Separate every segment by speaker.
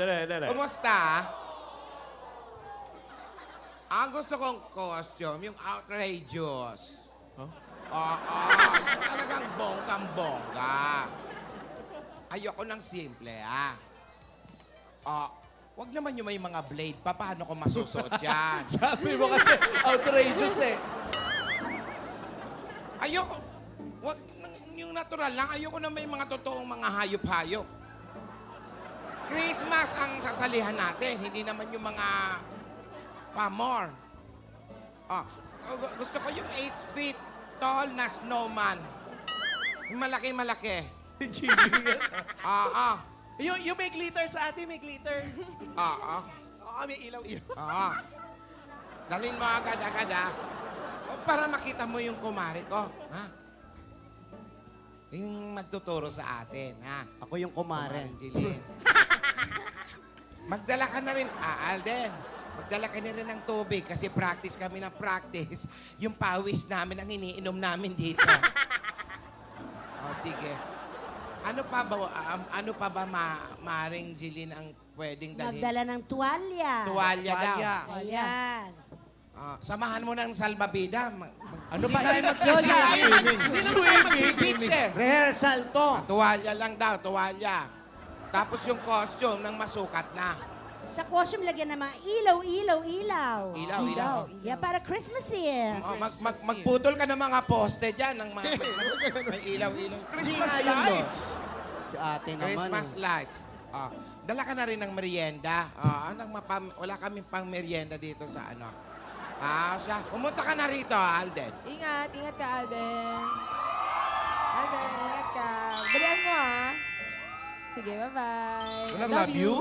Speaker 1: dali.
Speaker 2: Kumusta? Ang gusto kong costume, yung outrageous.
Speaker 1: Huh?
Speaker 2: Oo, yung talagang bonggang-bongga. Ayoko ng simple, ah. Wag naman yung may mga blade pa. Paano ko masusuot yan?
Speaker 3: Sabi mo kasi outrageous eh.
Speaker 2: Ayoko. Wag, yung natural lang. Ayoko na may mga totoong mga hayop-hayop. Christmas ang sasalihan natin. Hindi naman yung mga pamor. Gusto ko yung 8 feet tall na snowman. Yung malaki-malaki.
Speaker 3: Yung may glitter sa atin, may glitter.
Speaker 2: Oo.
Speaker 3: Oo, may ilaw-ilaw.
Speaker 2: Oo. Dalhin mo agad-agad, ha? Para makita mo yung kumari ko, ha? Yung magtuturo sa atin, ha?
Speaker 4: Ako yung kumare.
Speaker 2: Kumaring Jeline. Magdala ka na rin, Alden. Magdala ka na rin ng tubig kasi practice kami ng practice. Yung pawis namin ang iniinom namin dito. Sige. Ano pa ba Maring Jeline ang pwedeng dalhin?
Speaker 5: Magdala ng tuwalya.
Speaker 2: Tuwalya daw.
Speaker 5: Ayan.
Speaker 2: Samahan mo ng salbabida.
Speaker 3: Ano ba? Hindi naman tayo mag-beach eh.
Speaker 4: Rehearsal to.
Speaker 2: Tuwalya lang daw, tuwalya. Tapos yung costume ng masukat na.
Speaker 5: Sa costume, lagyan ng mga ilaw.
Speaker 2: Ilaw.
Speaker 5: Yeah, para Christmas here.
Speaker 2: Magputol ka ng mga poste dyan. Ng mga, may ilaw-ilaw.
Speaker 3: Christmas lights.
Speaker 4: Si ate naman.
Speaker 2: Christmas lights. Dala ka na rin ng merienda. Wala kaming pang merienda dito sa ano. Pumunta ka na rito, Alden.
Speaker 6: Ingat ka, Alden. Alden, ingat ka. Balian mo, ha? Sige, bye-bye.
Speaker 3: Love you?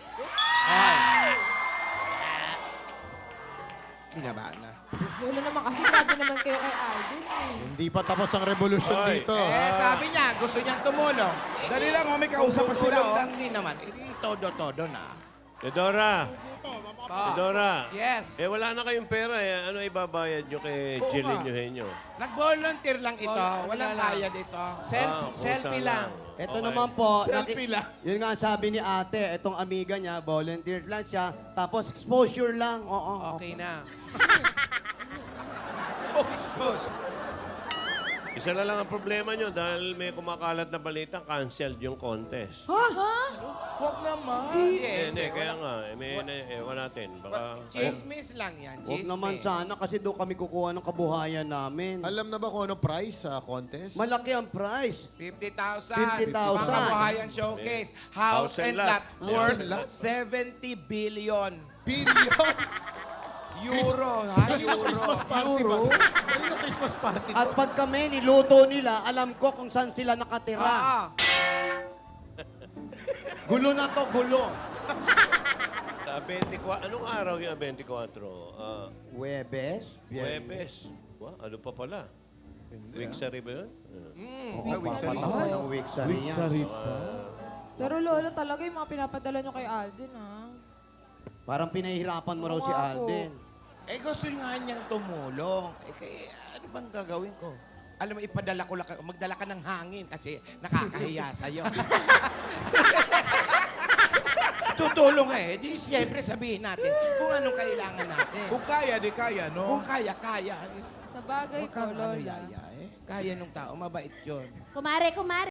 Speaker 2: Binabaan na.
Speaker 6: Wala naman kasi grabe naman kayo kay Alden, eh.
Speaker 7: Hindi pa tapos ang revolusyon
Speaker 1: Oy.
Speaker 7: dito.
Speaker 2: Sabi niya, gusto niyang tumulong.
Speaker 3: Dali lang, may kausap pa sila,
Speaker 2: Tutulong
Speaker 3: oh.
Speaker 2: lang din naman. Todo-todo na.
Speaker 1: Teodora. Teodora.
Speaker 3: Yes.
Speaker 1: Wala na kayong pera eh. Ano ibabayad nyo kay
Speaker 3: Oo
Speaker 1: Jeline
Speaker 3: nga.
Speaker 1: Eugenio?
Speaker 2: Nag-volunteer lang ito.
Speaker 3: Ano
Speaker 2: Walang
Speaker 3: na lang?
Speaker 2: bayad ito.
Speaker 3: Selfie
Speaker 1: kusa
Speaker 3: lang.
Speaker 4: Ito
Speaker 1: Okay.
Speaker 4: naman po,
Speaker 3: Selfie lang.
Speaker 4: yun nga ang sabi ni ate, itong amiga niya, volunteer lang siya, tapos exposure lang. Oo.
Speaker 3: Okay na.
Speaker 2: Expose.
Speaker 1: Isa na lang ang problema nyo dahil may kumakalat na balita, canceled yung contest.
Speaker 3: Huwag naman.
Speaker 1: Hindi, kaya nga. Ewan natin. Baka...
Speaker 2: Chismis lang yan.
Speaker 4: Huwag
Speaker 2: Chismis.
Speaker 4: naman sana kasi doon kami kukuha ng kabuhayan namin.
Speaker 7: Alam na ba kung ano price sa contest?
Speaker 4: Malaki ang price.
Speaker 2: 50,000.
Speaker 4: 50,000.
Speaker 2: Pangkabuhayan showcase. House and lot worth 70 billion
Speaker 7: Billion!
Speaker 2: euro. Ha?
Speaker 7: Kanina
Speaker 2: Euro.
Speaker 7: Christmas party ba? Kanina Christmas party.
Speaker 4: At pag kami niluto nila, alam ko kung saan sila nakatira. Gulo na to, gulo.
Speaker 1: 24, anong araw yung 24?
Speaker 4: Webes?
Speaker 1: Huwebes. Ano pa pala? Weeksary ba yun?
Speaker 4: Oo, papatahan ng weeksary yan.
Speaker 6: Pero lolo, talaga yung mga pinapadala nyo kay Alden, ha?
Speaker 4: Parang pinahihirapan mo raw si
Speaker 6: Oo nga po.
Speaker 4: Alden.
Speaker 2: Gusto nga niyang tumulong. Kaya ano bang gagawin ko? Alam mo, magdala ka ng hangin kasi nakakahiya sa'yo. Tutulong Di siyempre sabihin natin kung anong kailangan natin.
Speaker 3: Kung kaya, di kaya, no?
Speaker 2: Kung kaya.
Speaker 6: Sa bagay
Speaker 2: Huwag
Speaker 6: ko,
Speaker 2: kang ano,
Speaker 6: lola.
Speaker 2: yaya. Kaya nung tao, mabait yun.
Speaker 5: Kumare.